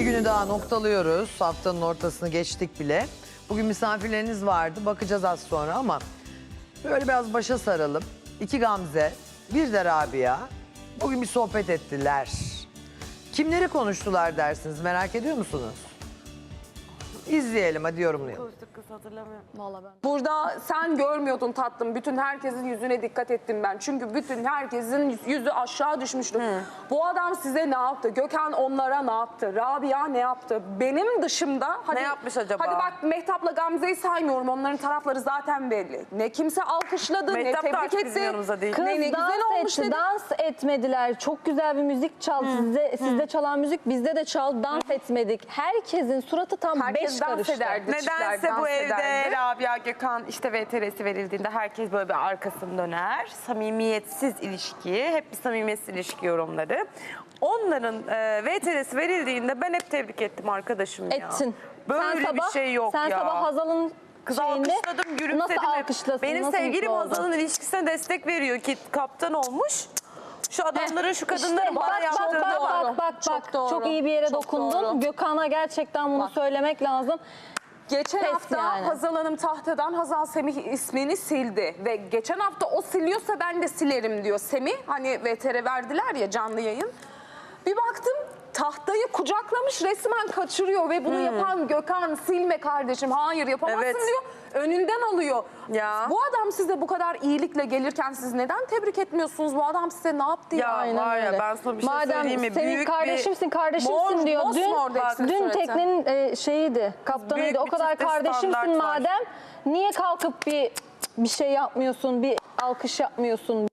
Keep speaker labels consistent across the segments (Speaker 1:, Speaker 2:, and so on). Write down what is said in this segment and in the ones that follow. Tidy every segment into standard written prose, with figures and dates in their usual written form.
Speaker 1: Bir günü daha noktalıyoruz. Haftanın ortasını geçtik bile. Bugün misafirleriniz vardı. Bakacağız az sonra ama böyle biraz başa saralım. 2 Gamze, bir de Rabia. Bugün bir sohbet ettiler. Kimleri konuştular dersiniz, merak ediyor musunuz? İzleyelim, hadi yorumlayalım.
Speaker 2: Kız hatırlamıyorum.
Speaker 3: Vallahi ben.
Speaker 2: Burada sen görmüyordun tatlım. Bütün herkesin yüzüne dikkat ettim ben. Çünkü bütün herkesin yüzü aşağı düşmüştü. Bu adam size ne yaptı? Gökhan onlara ne yaptı? Rabia ne yaptı? Benim dışımda... Hadi,
Speaker 4: yapmış acaba?
Speaker 2: Hadi bak Mehtap'la Gamze'yi saymıyorum. Onların tarafları zaten belli. Ne kimse alkışladı,
Speaker 4: Mehtap
Speaker 2: ne
Speaker 4: da
Speaker 2: tebrik
Speaker 4: artık bizim
Speaker 2: etti.
Speaker 4: yanımızda değil.
Speaker 3: Kız
Speaker 2: Ne güzel
Speaker 3: dans
Speaker 2: olmuş
Speaker 3: etti,
Speaker 2: dedi.
Speaker 3: dans etmediler. Çok güzel bir müzik çaldı. Sizde çalan müzik bizde de çaldı. Dans etmedik. Herkesin suratı tam
Speaker 2: Herkes
Speaker 3: beş
Speaker 2: dans
Speaker 3: karıştı.
Speaker 2: ederdi.
Speaker 4: Nedense
Speaker 2: Dans
Speaker 4: bu evde
Speaker 2: ederdi.
Speaker 4: Rabia Gökhan işte VTR'si verildiğinde herkes böyle bir arkasını döner. Samimiyetsiz ilişki, hep bir samimiyetsiz ilişki yorumları. Onların VTR'si verildiğinde ben hep tebrik ettim arkadaşım ya.
Speaker 3: Ettin.
Speaker 4: Böyle bir şey yok
Speaker 3: sen
Speaker 4: ya.
Speaker 3: sabah Hazal'ın
Speaker 4: Kız
Speaker 3: şeyinde
Speaker 4: alkışladım, gülümsedim.
Speaker 3: nasıl
Speaker 4: hep.
Speaker 3: alkışlasın?
Speaker 4: Benim
Speaker 3: nasıl
Speaker 4: sevgilim
Speaker 3: mutlu oldu?
Speaker 4: Hazal'ın ilişkisine destek veriyor ki kaptan olmuş. Şu adamların, şu kadınların
Speaker 3: İşte
Speaker 4: bana
Speaker 3: bak,
Speaker 4: yaptığına bak.
Speaker 3: bak.
Speaker 2: Çok doğru.
Speaker 3: Çok iyi bir yere
Speaker 2: Çok
Speaker 3: dokundun.
Speaker 2: doğru.
Speaker 3: Gökhan'a gerçekten bunu söylemek lazım.
Speaker 2: Geçen
Speaker 3: Pes
Speaker 2: hafta
Speaker 3: yani.
Speaker 2: Hazal Hanım tahtadan Hazal Semih ismini sildi. Ve geçen hafta o siliyorsa ben de silerim diyor Semih. Hani VTR verdiler ya canlı yayın. Bir baktım tahtayı kucaklamış resmen kaçırıyor. Ve bunu yapan Gökhan silme kardeşim. Hayır yapamazsın
Speaker 4: Evet.
Speaker 2: diyor. Önünden alıyor.
Speaker 4: Ya.
Speaker 2: Bu adam size bu kadar iyilikle gelirken siz neden tebrik etmiyorsunuz? Bu adam size ne yaptı ya?
Speaker 4: Ya
Speaker 3: Aynen
Speaker 4: var ya
Speaker 3: öyle.
Speaker 4: ben sana bir şey
Speaker 3: Madem
Speaker 4: söyleyeyim mi?
Speaker 3: senin
Speaker 4: Büyük
Speaker 3: kardeşimsin, kardeşimsin
Speaker 2: Mor,
Speaker 3: diyor.
Speaker 2: mosmor da
Speaker 3: Dün
Speaker 2: sureti.
Speaker 3: teknenin şeyiydi, kaptanıydı.
Speaker 4: Büyük
Speaker 3: O
Speaker 4: bir
Speaker 3: kadar
Speaker 4: çifte
Speaker 3: kardeşimsin
Speaker 4: standart var.
Speaker 3: madem. Niye kalkıp bir şey yapmıyorsun, bir alkış yapmıyorsun?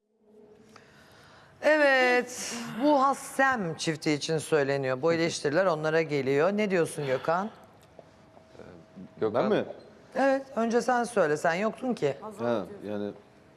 Speaker 1: Evet, bu Hassem çifti için söyleniyor. Bu eleştiriler onlara geliyor. Ne diyorsun Gökhan?
Speaker 5: Ben mi?
Speaker 1: Evet, önce sen söyle. Sen yoktun ki.
Speaker 5: Ha, yani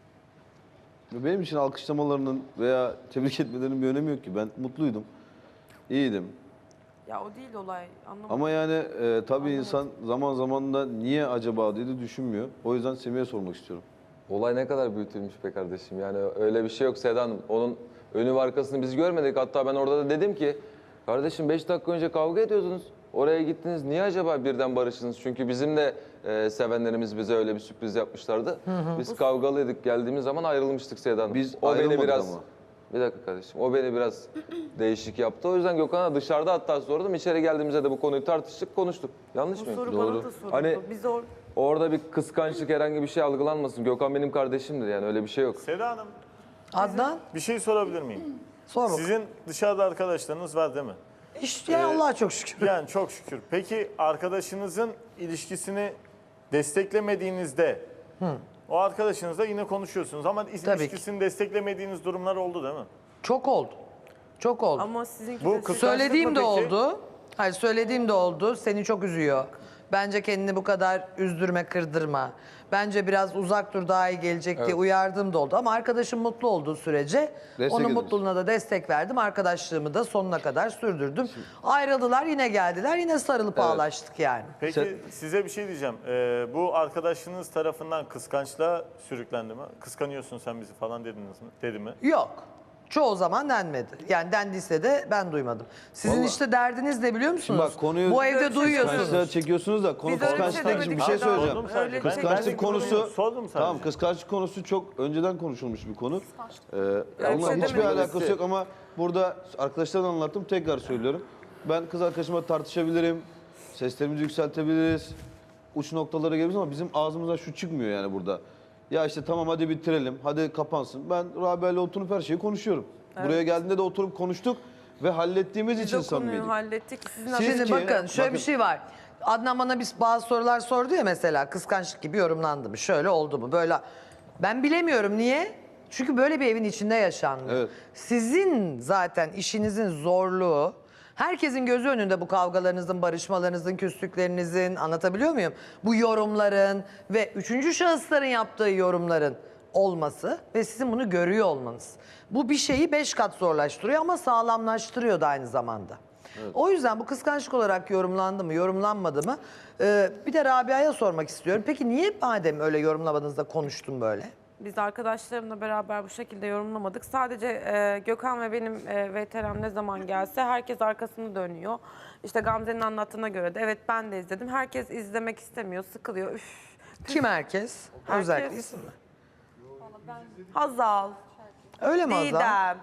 Speaker 5: benim için alkışlamalarının veya tebrik etmelerinin bir önemi yok ki. Ben mutluydum, iyiydim.
Speaker 4: Ya o değil olay. Anlamadım.
Speaker 5: Ama yani tabii insan zaman zaman da niye acaba diye de düşünmüyor. O yüzden Semih'e sormak istiyorum.
Speaker 6: Olay ne kadar büyütülmüş be kardeşim. Yani öyle bir şey yok Seda Hanım. Onun önü ve arkasını biz görmedik. Hatta ben orada da dedim ki kardeşim 5 dakika önce kavga ediyordunuz. Oraya gittiniz. Niye acaba birden barıştınız? Çünkü bizim de sevenlerimiz bize öyle bir sürpriz yapmışlardı. Biz kavgalıydık. Geldiğimiz zaman ayrılmıştık Seda Hanım.
Speaker 5: Biz
Speaker 6: o beni
Speaker 5: ayrılmadık
Speaker 6: biraz
Speaker 5: ama.
Speaker 6: Bir dakika kardeşim. O beni biraz değişik yaptı. O yüzden Gökhan'a dışarıda hatta sordum. İçeri geldiğimizde de bu konuyu tartıştık, konuştuk. Yanlış
Speaker 4: Bu
Speaker 6: mıyım?
Speaker 4: soru
Speaker 5: Doğru.
Speaker 4: bana da soruldu.
Speaker 6: Hani-
Speaker 4: Biz
Speaker 6: Orada bir kıskançlık herhangi bir şey algılanmasın. Gökhan benim kardeşimdir yani öyle bir şey yok.
Speaker 7: Seda Hanım,
Speaker 1: Adnan,
Speaker 7: bir şey sorabilir miyim?
Speaker 1: sor bakalım.
Speaker 7: Sizin dışarıda arkadaşlarınız var değil mi?
Speaker 1: İşte Allah'a çok şükür.
Speaker 7: Yani çok şükür. Peki arkadaşınızın ilişkisini desteklemediğinizde o arkadaşınızla yine konuşuyorsunuz ama
Speaker 1: Tabii ki.
Speaker 7: ilişkisini desteklemediğiniz durumlar oldu değil mi?
Speaker 1: Çok oldu. Çok oldu.
Speaker 4: ama sizinki
Speaker 7: Bu
Speaker 4: de
Speaker 7: kıskançlık
Speaker 1: Söylediğim
Speaker 7: mı
Speaker 1: de
Speaker 7: peki?
Speaker 1: oldu. Hayır, söylediğim de oldu. Seni çok üzüyor. Bence kendini bu kadar üzdürme, kırdırma. Bence biraz uzak dur, daha iyi gelecek diye uyardığım da oldu. Ama arkadaşım mutlu olduğu sürece
Speaker 5: Destek
Speaker 1: onun
Speaker 5: ederiz.
Speaker 1: mutluluğuna da destek verdim. Arkadaşlığımı da sonuna kadar sürdürdüm. Ayrıldılar, yine geldiler. Yine sarılıp ağlaştık yani.
Speaker 7: Peki size bir şey diyeceğim. Bu arkadaşınız tarafından kıskançlığa sürüklendi mi? Kıskanıyorsun sen bizi falan dediniz mi? Dedi mi?
Speaker 1: Yok. Çoğu zaman denmedi. Yani dendiyse de ben duymadım. Sizin
Speaker 5: Vallahi-
Speaker 1: işte derdiniz ne biliyor musunuz?
Speaker 5: Şimdi bak konuyu
Speaker 1: Bu evde duyuyorsunuz.
Speaker 5: kıskançlığa çekiyorsunuz da konu
Speaker 4: Biz öyle bir şey
Speaker 5: kıskançlıkla ilgili bir
Speaker 4: demedik
Speaker 5: şey
Speaker 4: Seda Hanım.
Speaker 5: söyleyeceğim.
Speaker 7: Sordum sadece. Ben
Speaker 5: Kıskançlık konusu
Speaker 7: sordum sadece.
Speaker 5: tamam, kıskançlık konusu çok önceden konuşulmuş bir konu. Onunla
Speaker 4: şey
Speaker 5: hiçbir
Speaker 4: demedim.
Speaker 5: alakası yok ama burada arkadaşlardan anlattım, tekrar söylüyorum. Ben kız arkadaşıma tartışabilirim, seslerimizi yükseltebiliriz, uç noktalara gelebiliriz ama bizim ağzımızdan şu çıkmıyor yani burada. Ya işte tamam hadi bitirelim, hadi kapansın. Ben Rabia'yla oturup her şeyi konuşuyorum. Buraya geldiğinde de oturup konuştuk ve hallettiğimiz
Speaker 4: Biz
Speaker 5: için
Speaker 4: o konuyu
Speaker 5: samimiydik.
Speaker 4: hallettik. Sizin
Speaker 5: Siz-
Speaker 1: Şimdi
Speaker 5: ki-
Speaker 1: bakın şöyle bir
Speaker 5: bakın.
Speaker 1: şey var. Adnan bana bazı sorular sordu ya, mesela kıskançlık gibi yorumlandı mı? Şöyle oldu mu? Böyle. Ben bilemiyorum niye? Çünkü böyle bir evin içinde yaşanmıyor.
Speaker 5: Evet.
Speaker 1: Sizin zaten işinizin zorluğu, herkesin gözü önünde bu kavgalarınızın, barışmalarınızın, küslüklerinizin, anlatabiliyor muyum? Bu yorumların ve üçüncü şahısların yaptığı yorumların olması ve sizin bunu görüyor olmanız. Bu bir şeyi 5 kat zorlaştırıyor ama sağlamlaştırıyor da aynı zamanda. O yüzden bu kıskançlık olarak yorumlandı mı, yorumlanmadı mı? Bir de Rabia'ya sormak istiyorum. Peki niye madem öyle yorumlamadığınızda konuştun böyle?
Speaker 4: Biz arkadaşlarımla beraber bu şekilde yorumlamadık. Sadece Gökhan ve benim VTR'm ne zaman gelse herkes arkasını dönüyor. İşte Gamze'nin anlattığına göre de evet ben de izledim. Herkes izlemek istemiyor, sıkılıyor. Üf.
Speaker 1: Kim herkes?
Speaker 4: Herkes.
Speaker 1: Özellikle isim mi?
Speaker 4: Hazal,
Speaker 1: Öyle mi Azam?
Speaker 4: Didem,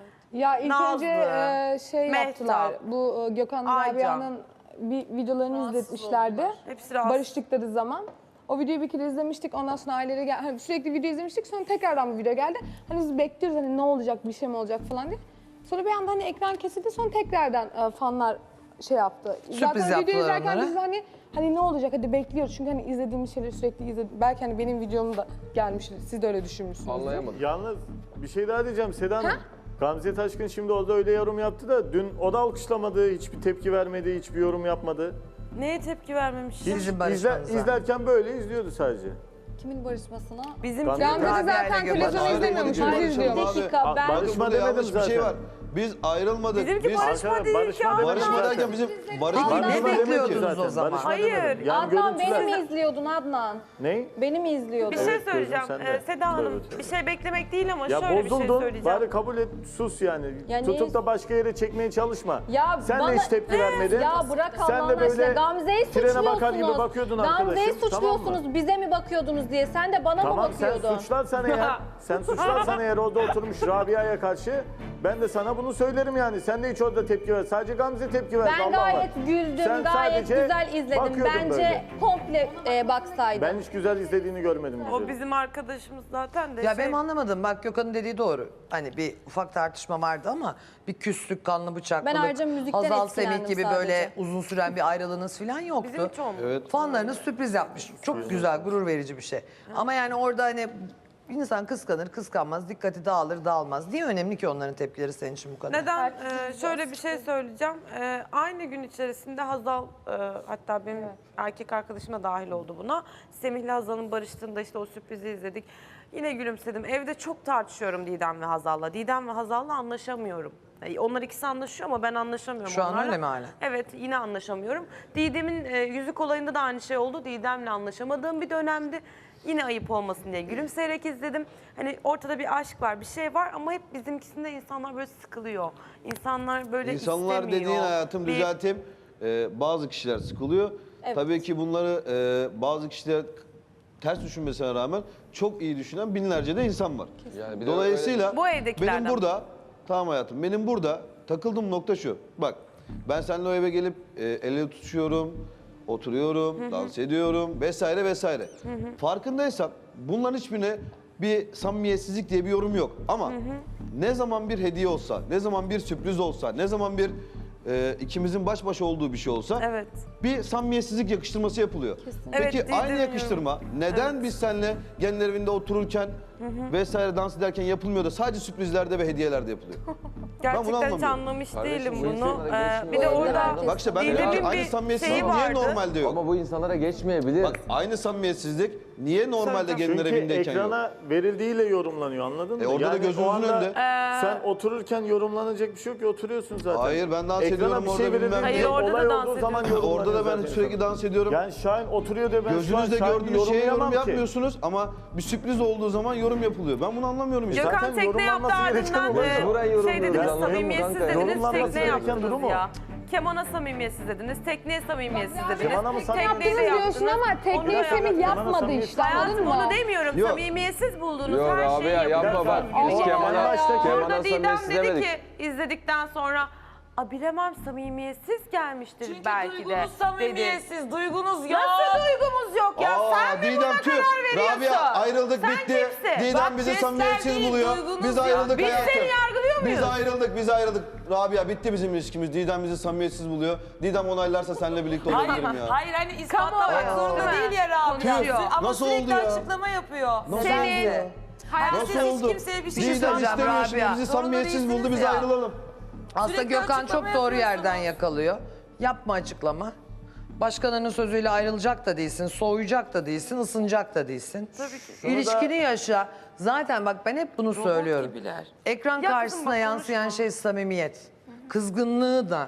Speaker 8: Ya ilk
Speaker 4: Nazlı,
Speaker 8: önce şey
Speaker 4: Mehtap,
Speaker 8: yaptılar. Bu Gökhan
Speaker 4: Aycan.
Speaker 8: Rabia'nın bir videolarını izletmişlerdi.
Speaker 4: hepsi rahatsız.
Speaker 8: Barıştıkları zaman. O videoyu bir kere izlemiştik. Ondan sonra aileleri gel hani sürekli video izlemiştik. Sonra tekrardan bu video geldi. Hani biz bekliyoruz hani ne olacak, bir şey mi olacak falan diye. Sonra bir anda hani ekran kesildi. Sonra tekrardan fanlar şey yaptı.
Speaker 1: Sürpriz
Speaker 8: Zaten video
Speaker 1: yaptılar
Speaker 8: izlerken
Speaker 1: onlara.
Speaker 8: biz hani ne olacak hadi bekliyoruz. Çünkü hani izlediğimiz şeyleri sürekli izledik. Belki hani benim videom da gelmiştir. Siz de öyle düşünmüşsünüz.
Speaker 6: Anlayamadım.
Speaker 7: Yalnız bir şey daha diyeceğim Seda Hanım. Gamze Taşkın şimdi orada öyle yorum yaptı da dün o da alkışlamadı, hiçbir tepki vermedi, hiçbir yorum yapmadı.
Speaker 4: Neye tepki vermemiş?
Speaker 7: Hiç
Speaker 1: Sizin barışmanıza.
Speaker 7: izlerken böyle izliyordu sadece.
Speaker 3: Kimin barışmasına?
Speaker 4: Bizim
Speaker 7: Gamze-
Speaker 8: Gamze de
Speaker 1: Rabia ile
Speaker 8: zaten
Speaker 1: Gökhan.
Speaker 8: televizyonu
Speaker 5: Ayrılmadık,
Speaker 8: izlemiyormuş.
Speaker 5: biz
Speaker 8: Bizi
Speaker 5: barışalım
Speaker 8: izliyor.
Speaker 5: abi.
Speaker 3: Dakika ben
Speaker 7: Barışma
Speaker 5: Burada
Speaker 7: demedim
Speaker 5: yanlış bir şey
Speaker 7: zaten.
Speaker 5: var. Biz ayrılmadık.
Speaker 4: Bizimki
Speaker 5: Biz
Speaker 4: barışma
Speaker 7: Arkadaşlar,
Speaker 4: değil ki
Speaker 7: barışma
Speaker 4: Adnan.
Speaker 7: demedim
Speaker 5: barışma
Speaker 7: zaten.
Speaker 5: derken bizim
Speaker 1: Peki
Speaker 5: barışma
Speaker 1: ne
Speaker 7: Barışma demedim
Speaker 1: bekliyordunuz
Speaker 7: zaten.
Speaker 1: o zaman?
Speaker 7: Barışma
Speaker 4: Hayır.
Speaker 7: demedim. Yani
Speaker 3: Adnan beni
Speaker 7: görüntüler-
Speaker 3: mi izliyordun Adnan?
Speaker 7: Ne?
Speaker 3: Beni mi izliyordun?
Speaker 4: Bir şey
Speaker 7: Evet,
Speaker 4: söyleyeceğim.
Speaker 7: gözüm sende.
Speaker 4: Seda Hanım
Speaker 7: Evet.
Speaker 4: bir şey beklemek değil ama
Speaker 7: Ya
Speaker 4: şöyle bir şey
Speaker 7: bozuldun,
Speaker 4: söyleyeceğim.
Speaker 7: bari kabul et, sus yani.
Speaker 3: Ya
Speaker 7: Tutup
Speaker 3: neyi-
Speaker 7: da başka yere çekmeye çalışma.
Speaker 3: Ya
Speaker 7: Sen
Speaker 3: bana-
Speaker 7: de hiç tepki vermedin.
Speaker 3: Ya bırak
Speaker 7: Sen
Speaker 3: Allah'ın
Speaker 7: de
Speaker 3: aşkına.
Speaker 7: böyle
Speaker 3: Gamze'yi
Speaker 7: trene bakar gibi
Speaker 3: suçluyorsunuz.
Speaker 7: bakıyordun
Speaker 3: Gamze'yi
Speaker 7: arkadaşım. Tamam mı?
Speaker 3: suçluyorsunuz. Bize mi bakıyordunuz diye. Sen de bana mı
Speaker 7: Tamam sen
Speaker 3: bakıyordun?
Speaker 7: suçlarsan eğer, sen suçlarsan eğer orada oturmuş Rabia'ya karşı ben de sana bunu söylerim yani. Sen de hiç orada tepki ver. Sadece Gamze tepki verdi.
Speaker 3: Ben
Speaker 7: Allah
Speaker 3: gayet
Speaker 7: Allah.
Speaker 3: güldüm,
Speaker 7: Sen
Speaker 3: gayet
Speaker 7: sadece
Speaker 3: güzel izledim.
Speaker 7: bakıyordun
Speaker 3: Bence
Speaker 7: böyle.
Speaker 3: komple baksaydın.
Speaker 7: Ben hiç güzel izlediğini görmedim.
Speaker 4: O
Speaker 7: güzeli.
Speaker 4: bizim arkadaşımız zaten de
Speaker 1: Ya
Speaker 4: şey...
Speaker 1: benim anlamadım. Bak Gökhan'ın dediği doğru. Hani bir ufak tartışma vardı ama bir küslük, kanlı bıçaklılık,
Speaker 3: Ben ayrıca müzikten
Speaker 1: Hazal Semih
Speaker 3: etkilendim
Speaker 1: gibi
Speaker 3: sadece.
Speaker 1: böyle uzun süren bir ayrılığınız falan yoktu.
Speaker 4: Bizim hiç olmadı.
Speaker 5: Evet.
Speaker 1: Fanlarınız sürpriz yapmış. Çok güzel, gurur verici bir şey. Ama yani orada hani insan kıskanır, kıskanmaz, dikkati dağılır, dağılmaz. Niye önemli ki onların tepkileri senin için bu kadar?
Speaker 4: Neden? Şöyle bir şey söyleyeceğim. Aynı gün içerisinde Hazal, hatta benim erkek arkadaşım da dahil oldu buna. Semih'le Hazal'ın barıştığında işte o sürprizi izledik. Yine gülümsedim. Evde çok tartışıyorum Didem ve Hazal'la. Didem ve Hazal'la anlaşamıyorum. Onlar ikisi anlaşıyor ama ben anlaşamıyorum
Speaker 1: Şu an
Speaker 4: onlarla.
Speaker 1: öyle mi hala?
Speaker 4: Evet, yine anlaşamıyorum. Didem'in yüzük olayında da aynı şey oldu. Didem'le anlaşamadığım bir dönemdi. Yine ayıp olmasın diye gülümseyerek izledim. Hani ortada bir aşk var, bir şey var ama hep bizimkisinde insanlar böyle sıkılıyor. İnsanlar böyle
Speaker 5: İnsanlar
Speaker 4: istemiyor.
Speaker 5: dediğin hayatım
Speaker 4: Bir-
Speaker 5: düzelteyim. Bazı kişiler sıkılıyor. Tabii ki bunları bazı kişiler ters düşünmesine rağmen çok iyi düşünen binlerce de insan var.
Speaker 6: Yani bir de
Speaker 5: Dolayısıyla
Speaker 4: Bu evdekilerden.
Speaker 5: benim burada, tamam hayatım, benim burada takıldığım nokta şu. Bak ben seninle o eve gelip el ele tutuşuyorum, oturuyorum, dans ediyorum vesaire vesaire. Farkındaysan bunların hiçbirine bir samimiyetsizlik diye bir yorum yok. Ama ne zaman bir hediye olsa, ne zaman bir sürpriz olsa, ne zaman bir ikimizin baş başa olduğu bir şey olsa
Speaker 4: Evet.
Speaker 5: bir samimiyetsizlik yakıştırması yapılıyor. Peki
Speaker 4: Evet,
Speaker 5: aynı
Speaker 4: Didem
Speaker 5: yakıştırma neden biz seninle genler evinde otururken vesaire dans ederken yapılmıyor da sadece sürprizlerde ve hediyelerde yapılıyor?
Speaker 4: Gerçekten hiç
Speaker 5: anlamıyorum.
Speaker 4: anlamış
Speaker 6: Kardeşim,
Speaker 4: değilim
Speaker 6: bu
Speaker 4: bunu.
Speaker 6: insanlara geçmiyor.
Speaker 4: Bir de
Speaker 3: Olabilir
Speaker 4: orada
Speaker 3: herkes.
Speaker 5: Bak işte ben
Speaker 4: Didem'in
Speaker 5: diyorum ki aynı
Speaker 4: bir
Speaker 5: samimiyetsizlik
Speaker 4: şeyi
Speaker 5: niye
Speaker 4: vardı.
Speaker 5: normalde yok?
Speaker 6: Ama bu insanlara geçmeyebilir.
Speaker 5: Bak aynı samimiyetsizlik niye normalde genler
Speaker 7: Çünkü
Speaker 5: evindeyken yok?
Speaker 7: ekrana verildiğiyle yorumlanıyor anladın mı?
Speaker 5: Orada da gözünüzün
Speaker 7: o anda
Speaker 5: önünde.
Speaker 7: Sen otururken yorumlanacak bir şey yok ki oturuyorsun zaten.
Speaker 5: Hayır, ben dans
Speaker 7: Ekrana
Speaker 5: ediyorum
Speaker 7: bir
Speaker 5: orada
Speaker 7: şey
Speaker 5: bilmem
Speaker 7: verildiğinde
Speaker 5: ne.
Speaker 4: Hayır, orada da
Speaker 7: olay
Speaker 4: dans
Speaker 7: olduğu zaman
Speaker 4: ediyorum.
Speaker 7: yorumlanıyor
Speaker 5: Orada da ben
Speaker 7: zaten.
Speaker 5: sürekli dans ediyorum.
Speaker 7: Yani Şahin oturuyor diye ben şu an
Speaker 5: Gözünüzde
Speaker 7: Şahin'in
Speaker 5: gördüğünüz şeye yorum
Speaker 7: yorumlayamam ki.
Speaker 5: yapmıyorsunuz ama bir sürpriz olduğu zaman yorum yapılıyor. Ben bunu anlamıyorum işte.
Speaker 4: Gökhan
Speaker 7: Zaten
Speaker 4: tekne yaptı
Speaker 7: yorumlanması gereken
Speaker 4: ardından
Speaker 7: olay.
Speaker 6: Burayı
Speaker 4: şey
Speaker 6: yorumluyoruz,
Speaker 4: dediniz,
Speaker 6: anladın mı
Speaker 4: samimiyetsiz
Speaker 6: kanka?
Speaker 4: dediniz,
Speaker 7: Yorumlanması
Speaker 4: tekne
Speaker 7: gereken durum
Speaker 4: yaptınız
Speaker 7: o.
Speaker 4: ya. Kemana samimiyetsiz dediniz, tekneye samimiyetsiz dediniz.
Speaker 7: Kemana mı samimiyetsiz?
Speaker 4: Tekneyi de
Speaker 8: Yaptınız diyorsun
Speaker 4: yaptınız.
Speaker 8: ama
Speaker 4: Onu da
Speaker 8: tekniği
Speaker 4: yaptınız.
Speaker 8: Semih yapmadı
Speaker 7: samimiyet-
Speaker 8: işte anladın
Speaker 4: Hayatım
Speaker 8: mı?
Speaker 4: onu demiyorum.
Speaker 5: Yok.
Speaker 4: Samimiyetsiz buldunuz
Speaker 6: Yok
Speaker 4: her şeyi
Speaker 6: Rabia yapma
Speaker 4: yapıyorsunuz.
Speaker 6: bak. Biz
Speaker 7: Allah
Speaker 6: Kemal'a
Speaker 7: Allah.
Speaker 4: Orada
Speaker 6: Kemal'a
Speaker 4: Didem
Speaker 6: samimiyetsiz
Speaker 4: dedi
Speaker 6: demedik.
Speaker 4: ki izledikten sonra bilemem samimiyetsiz gelmiştir
Speaker 9: Çünkü
Speaker 4: belki de
Speaker 9: duygunuz
Speaker 4: dedi.
Speaker 9: samimiyetsiz, duygunuz yok.
Speaker 4: Nasıl duygumuz yok ya? Sen mi
Speaker 5: Didem
Speaker 4: buna
Speaker 5: tüh.
Speaker 4: karar veriyorsun?
Speaker 5: Rabia ayrıldık
Speaker 4: Sen
Speaker 5: bitti.
Speaker 4: kimsin?
Speaker 5: Didem
Speaker 9: Bak,
Speaker 5: bizi
Speaker 9: jestler
Speaker 5: samimiyetsiz
Speaker 9: değil,
Speaker 5: buluyor.
Speaker 9: duygunuz
Speaker 5: Biz
Speaker 9: ya.
Speaker 5: ayrıldık
Speaker 4: Biz
Speaker 5: hayatım.
Speaker 4: seni yargılıyor muyuz?
Speaker 5: Biz ayrıldık. Rabia bitti bizim ilişkimiz. Didem bizi samimiyetsiz buluyor. Didem onaylarsa seninle birlikte olabilirim ya.
Speaker 9: Hayır hani ispatlamak
Speaker 4: Kamuoyu,
Speaker 9: zorunda
Speaker 4: değil mi?
Speaker 9: değil ya Rabia.
Speaker 4: Konuşuyor.
Speaker 9: Ama
Speaker 5: Nasıl
Speaker 9: sürekli
Speaker 5: oldu ya?
Speaker 9: açıklama yapıyor.
Speaker 4: Senin
Speaker 5: Nasıl
Speaker 9: Siz hiç
Speaker 5: oldu?
Speaker 9: kimseye bir şey
Speaker 5: Didem
Speaker 1: söyleyeceğim
Speaker 5: istemiyor şimdi
Speaker 1: Rabia.
Speaker 5: bizi
Speaker 9: Zorunda
Speaker 5: samimiyetsiz buldu
Speaker 9: değilsiniz
Speaker 5: biz
Speaker 9: ya.
Speaker 5: ayrılalım.
Speaker 1: Aslında
Speaker 9: Sürekli
Speaker 1: Gökhan
Speaker 9: açıklama
Speaker 1: çok doğru yerden
Speaker 9: yapıyorsunuz.
Speaker 1: yakalıyor. Yapma açıklama. Başkalarının sözüyle ayrılacak da değilsin, soğuyacak da değilsin, ısınacak da değilsin. Tabii ki. İlişkini yaşa. Zaten bak ben hep bunu söylüyorum.
Speaker 9: gibiler.
Speaker 1: Ekran
Speaker 4: Ya kızım
Speaker 1: karşısına
Speaker 4: bak,
Speaker 1: yansıyan
Speaker 4: konuşma.
Speaker 1: şey samimiyet. Kızgınlığı da,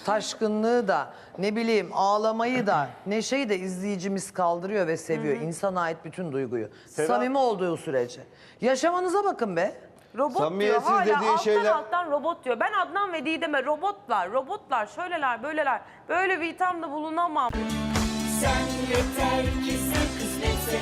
Speaker 1: taşkınlığı da, ne bileyim ağlamayı da, neşeyi de izleyicimiz kaldırıyor ve seviyor. İnsana ait bütün duyguyu. Samimi olduğu sürece. Yaşamanıza bakın be.
Speaker 4: Robot diyor.
Speaker 5: Samimiyetsiz
Speaker 4: Hala
Speaker 5: dediği şeyler-
Speaker 4: alttan robot diyor. Ben Adnan ve Didem'e robotlar, şöyleler, böyleler. Böyle bir ithamda bulunamam.
Speaker 10: Sen yeter ki sen kısmetse